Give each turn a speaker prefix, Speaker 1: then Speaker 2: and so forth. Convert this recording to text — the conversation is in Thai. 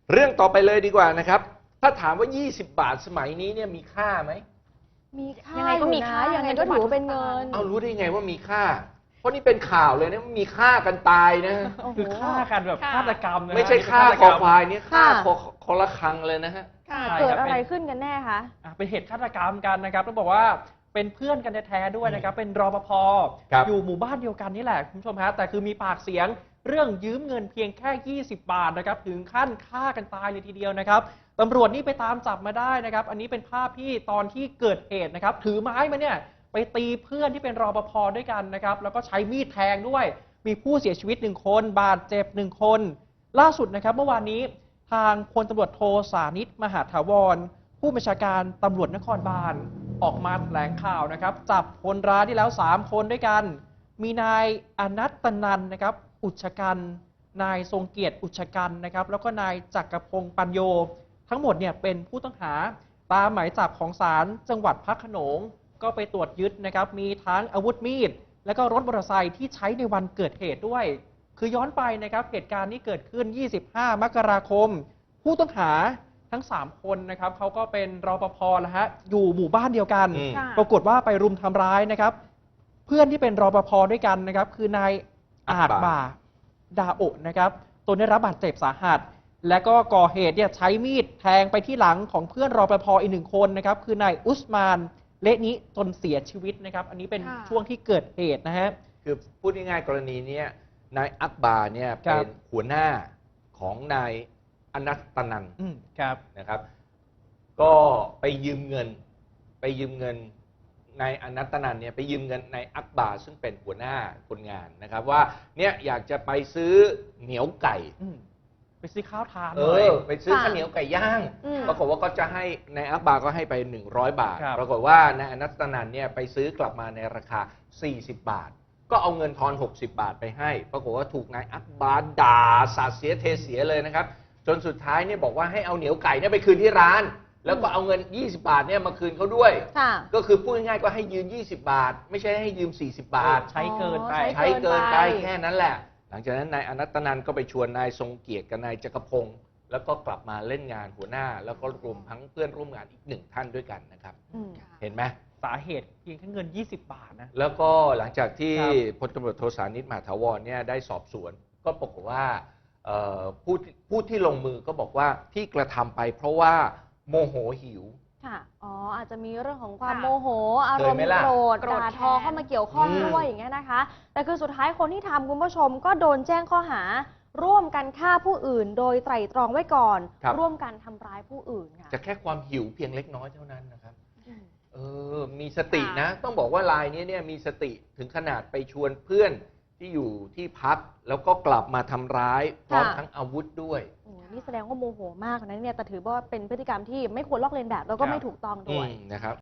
Speaker 1: เรื่องต่อไปเลยดีกว่านะครับถ้าถามว่า20 บาทสมัยนี้เนี่ยมีค่าไหม
Speaker 2: มีค่า
Speaker 3: ยังไงก็มีค่า
Speaker 2: ยังไงก็ถือว่าเป็นเงิน
Speaker 1: เอารู้ได้ไงว่ามีค่า เพราะนี่เป็นข่าวเลยนะมีฆ่ากันตายนะ
Speaker 4: คือฆ่ากันแบบฆาตกรรมนะฮะ
Speaker 1: ไม่ใช่ฆ่าคอควายนี่ฆ่าคอละครังเลยนะฮะ
Speaker 2: ค่ะ
Speaker 4: ใช่
Speaker 2: เกิด
Speaker 4: ครับ
Speaker 2: อะไรขึ้นกันแน่คะ
Speaker 4: เป็นเหตุฆาตกรรมกันนะครับต้องบอกว่าเป็นเพื่อนกันแท้ๆด้วยนะครับเป็นรปภ
Speaker 1: ครับ
Speaker 4: อยู่หมู่บ้านเดียวกันนี่แหละคุณผู้ชมฮะแต่คือมีปากเสียงเรื่องยืมเงินเพียงแค่20 บาทนะครับถึงขั้นฆ่ากันตายเลยทีเดียวนะครับตำรวจนี่ไปตามจับมาได้นะครับอันนี้เป็นภาพที่ตอนที่เกิดเหตุนะครับถือไม้มาเนี่ยไปตีเพื่อนที่เป็นรปภด้วยกันนะครับแล้วก็ใช้มีดแทงด้วยมีผู้เสียชีวิต1 คนบาดเจ็บ1 คนล่าสุดนะครับเมื่อวานนี้ทางพลตำรวจโทสานิตมหาถาวรผู้บัญชาการตำรวจนครบาลออกมาแถลงข่าวนะครับจับคนร้ายได้แล้ว3 คนด้วยกันมีนายอนัตตนันนะครับอุชกันนายทรงเกียรติอุชกันนะครับแล้วก็นายจักรพงศ์ปัญโยทั้งหมดเนี่ยเป็นผู้ต้องหาตามหมายจับของศาลจังหวัดพระโขนงก็ไปตรวจยึดนะครับมีทั้งอาวุธมีดและก็รถมอเตอร์ไซค์ที่ใช้ในวันเกิดเหตุด้วยคือย้อนไปนะครับเหตุการณ์นี้เกิดขึ้น25 มกราคมผู้ต้องหาทั้ง3 คนนะครับเขาก็เป็นรปภแล้วฮะอยู่หมู่บ้านเดียวกัน
Speaker 2: ค่ะ
Speaker 4: ปรากฏว่าไปรุมทำร้ายนะครับเพื่อนที่เป็นรปภด้วยกันนะครับคือนายอาจบ่าดาโอะนะครับตนได้รับบาดเจ็บสาหัสและก็ก่อเหตุเนี่ยใช้มีดแทงไปที่หลังของเพื่อนรปภอีก1 คนนะครับคือนายอุสมานเละนี้จนเสียชีวิตนะครับอันนี้เป็น
Speaker 2: ค่ะ
Speaker 4: ช่วงที่เกิดเหตุนะฮะ
Speaker 1: คือพูดง่ายๆกรณีนี้นายอักบาร์เนี่ย
Speaker 4: ครับ
Speaker 1: เป็นหัวหน้าของนายอนัตตนัน
Speaker 4: ครับ
Speaker 1: นะครับ ก็ไปยืมเงินนายอนัตตนันเนี่ยไปยืมเงินนายอักบาร์ซึ่งเป็นหัวหน้าคนงานนะครับว่าเนี่ยอยากจะไปซื้อเหนียวไก่
Speaker 4: ไปซื้อข้าวทานหน่อย
Speaker 1: ไปซื้อ
Speaker 2: ค่ะ
Speaker 1: ข้าวเหนียวไก่ย่าง
Speaker 2: อืม
Speaker 1: ปรากฏว่าก็จะให้นายอักบาร์ก็ให้ไป100 บาท
Speaker 4: ครับ
Speaker 1: ปรากฏว่านายอนัตตนันเนี่ยไปซื้อกลับมาในราคา40 บาท ก็เอาเงินทอน60 บาทไปให้ ปรากฏว่าถูกนายอักบาร์ด่าสาดเสียเทเสียเลยนะครับ จนสุดท้ายเนี่ยบอกว่าให้เอาเหนียวไก่เนี่ยไปคืนที่ร้าน แล้วก็เอาเงิน20 บาทเนี่ยมาคืนเขาด้วย
Speaker 2: ค่ะ
Speaker 1: ก็คือพูดง่ายๆก็ให้ยืม20 บาท ไม่ใช่ให้ยืม40 บาท
Speaker 4: ใช้เกินไป
Speaker 2: อ๋อ
Speaker 1: ใช้เกินไป
Speaker 2: ใช้เกินไป
Speaker 1: แค่นั้นแหละ หลังจากนั้นนายอนัตตนันก็ไปชวนนายทรงเกียรติกับนายจักรพงศ์แล้วก็กลับมาเล่นงานหัวหน้า แล้วก็รวมทั้งเพื่อนร่วมงานอีก1 ท่านด้วยกันนะครับ
Speaker 2: อืม
Speaker 1: เห็นไหม
Speaker 4: สาเหตุเพียงแค่เงิน20 บาทนะ
Speaker 1: แล้วก็หลังจากที่
Speaker 4: ครับ
Speaker 1: พลตำรวจโทสานิตมหาถาวรเนี่ยได้สอบสวน ก็ปรากฏว่าผู้ที่ลงมือก็บอกว่าที่กระทำไปเพราะว่าโมโหหิว
Speaker 2: ค่ะอ๋ออาจจะมีเรื่องของความ
Speaker 3: ค่ะ
Speaker 2: โมโห อารม
Speaker 1: เคยไหม
Speaker 2: ณ์
Speaker 1: ล่ะ
Speaker 2: โกรธ
Speaker 3: โกรธ
Speaker 2: ด่าทอ
Speaker 3: แค้น
Speaker 2: เข้ามาเกี่ยวข้อง
Speaker 1: อืม
Speaker 2: ด้วยอย่างเงี้ยนะคะ แต่คือสุดท้ายคนที่ทำคุณผู้ชมก็โดนแจ้งข้อหา ร่วมกันฆ่าผู้อื่น โดยไตร่ตรองไว้ก่อน
Speaker 1: ครับ
Speaker 2: ร่วมกันทำร้ายผู้อื่นค่ะ
Speaker 1: จะแค่ความหิวเพียงเล็กน้อยเท่านั้นนะครับ
Speaker 2: อืม
Speaker 1: มีสตินะ ต้องบอกว่ารายนี้เนี่ยมีสติถึงขนาดไปชวนเพื่อนที่อยู่ที่พัก แล้วก็กลับมาทำร้ายพร้อม
Speaker 2: ค่ะ
Speaker 1: ทั้งอาวุธด้วย
Speaker 2: โอ้นี่แสดงว่าโมโหมากนะเนี่ยแต่ถือว่าเป็นพฤติกรรมที่ไม่ควรลอกเลียนแบบแล้วก็
Speaker 4: ครับ
Speaker 2: ไม่ถูกต้องด้วย
Speaker 1: นะครับ